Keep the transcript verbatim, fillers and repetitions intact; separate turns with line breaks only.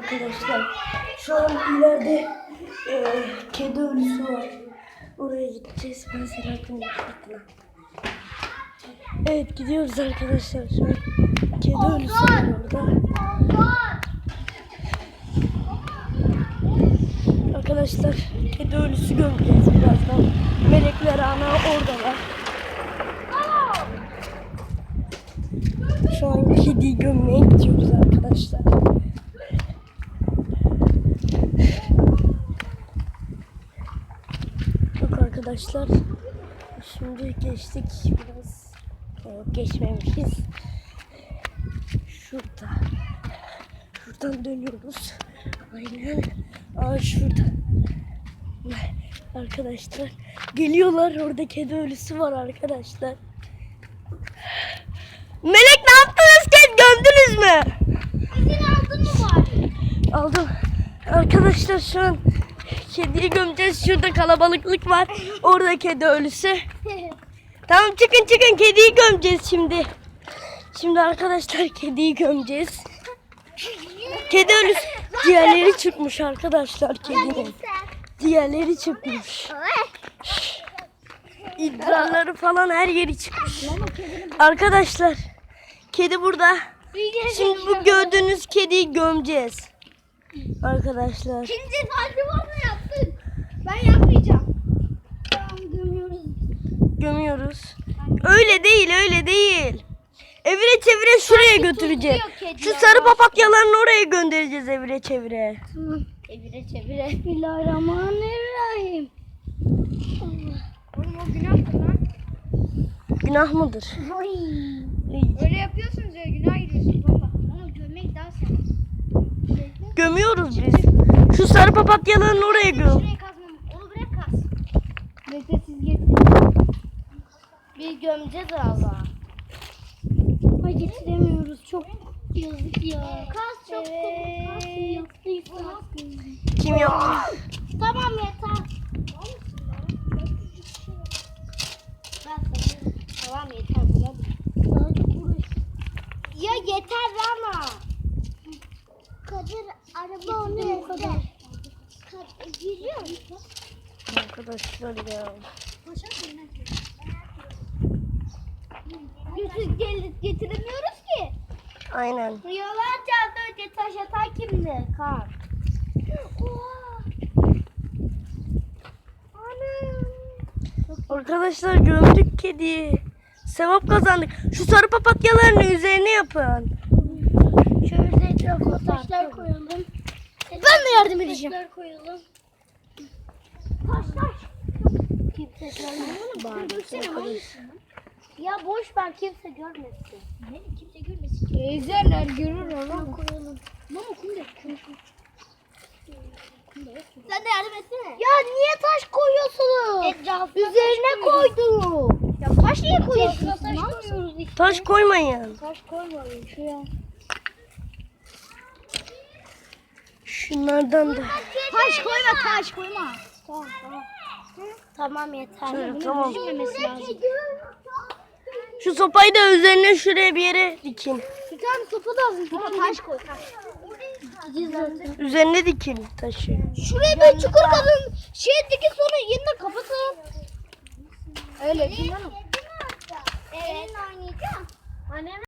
arkadaşlar. Şu an ileride e, kedi ölüsü var. Oraya gideceğiz. Ben Selahattin'in fırtına. Evet gidiyoruz arkadaşlar. Şu an kedi ölüsü var orada. Arkadaşlar kedi ölüsü gömeceğiz birazdan. Melekler ana oradalar. Şu an kediyi gömmeye gidiyoruz arkadaşlar. Bak arkadaşlar. Şimdi geçtik biraz. Yok geçmemişiz. Şurada. Şuradan dönüyoruz. Aynen. Aa şurada. Arkadaşlar geliyorlar. Orada kedi ölüsü var arkadaşlar. Melek ne yaptınız? Kedi gömdünüz mü?
İzin aldın mı var?
Aldım. Arkadaşlar şu an kediyi gömeceğiz. Şurada kalabalıklık var. Orada kedi ölüsü. Tamam çıkın çıkın kediyi gömeceğiz şimdi. Şimdi arkadaşlar kediyi gömeceğiz. Kedi ölüsü. Diğerleri çıkmış arkadaşlar kedinin. Diğerleri çıkmış. İdrarları falan her yeri çıkmış. Arkadaşlar kedi burada. Şimdi bu gördüğünüz kediyi gömeceğiz. Arkadaşlar.
Şimdi acaba mı yaptın? Ben yapmayacağım. Tamam gömüyoruz.
Gömüyoruz. Öyle değil öyle değil. Evire çevire şuraya götüreceğiz. Şu sarı papatyalarını oraya göndereceğiz evire çevire.
Tamam. Evire çevire. Bismillahirrahmanirrahim. Oğlum o günahtır lan.
Günah mıdır?
Oy.
İyi.
Öyle yapıyorsunuz ya günah giriyorsunuz baba. Onu gömmek daha sevmez.
Gömüyoruz biz. Şu sarı papatyalarını oraya göm.
Şuraya kazmam. Onu bırak kaz. Bekle siz getirin.
Bir gömeceğiz Allah.
Ay getiremiyoruz. Çok yazık ya. Kaz çok evet. Kaz yaptıysa.
Kim yok?
Tamam yeter. Tamam yeter. Ya yeter ama. Kadir araba onu ezdi. Giriyor musun?
Arkadaşlar ya.
Yusuf gelip getiremiyoruz ki.
Aynen.
Yollarca az önce taş atan kimdi? Kar.
Arkadaşlar gömdük kediyi. Sevap kazandık. Şu sarı papatyalarını üzerine yapın.
Şöyle etrafına taşlar koyalım. Ben de yardım edeceğim. Taşlar koyalım. Taş taş. Kimse görmesin. Ya boş ver kimse görmesin. Ne kimse görmesin. Ezerler görür ama koyalım. Mama kumda. Sen de yardım etsene. Ya niye taş koyuyorsunuz? Etrafına üzerine koydum. Ya taş niye koyuyorsun? Taş koyuyoruz işte.
Taş koymayın.
Taş koymayın şuraya.
Şunlardan da.
Taş koyma taş koyma. Tamam tamam. Tamam yeter.
Şöyle,
Bunu
tamam.
düşmemesi lazım.
Şu sopayı da üzerine şuraya bir yere dikin.
Bir tane sopa lazım. Ama taş koy. Taş.
Üzerine dikin taşı.
Şuraya bir çukur kazın. Şey dikin sonra yeniden kapatın. Öyle değil mi? Evet. Elinle oynayacağım. Annem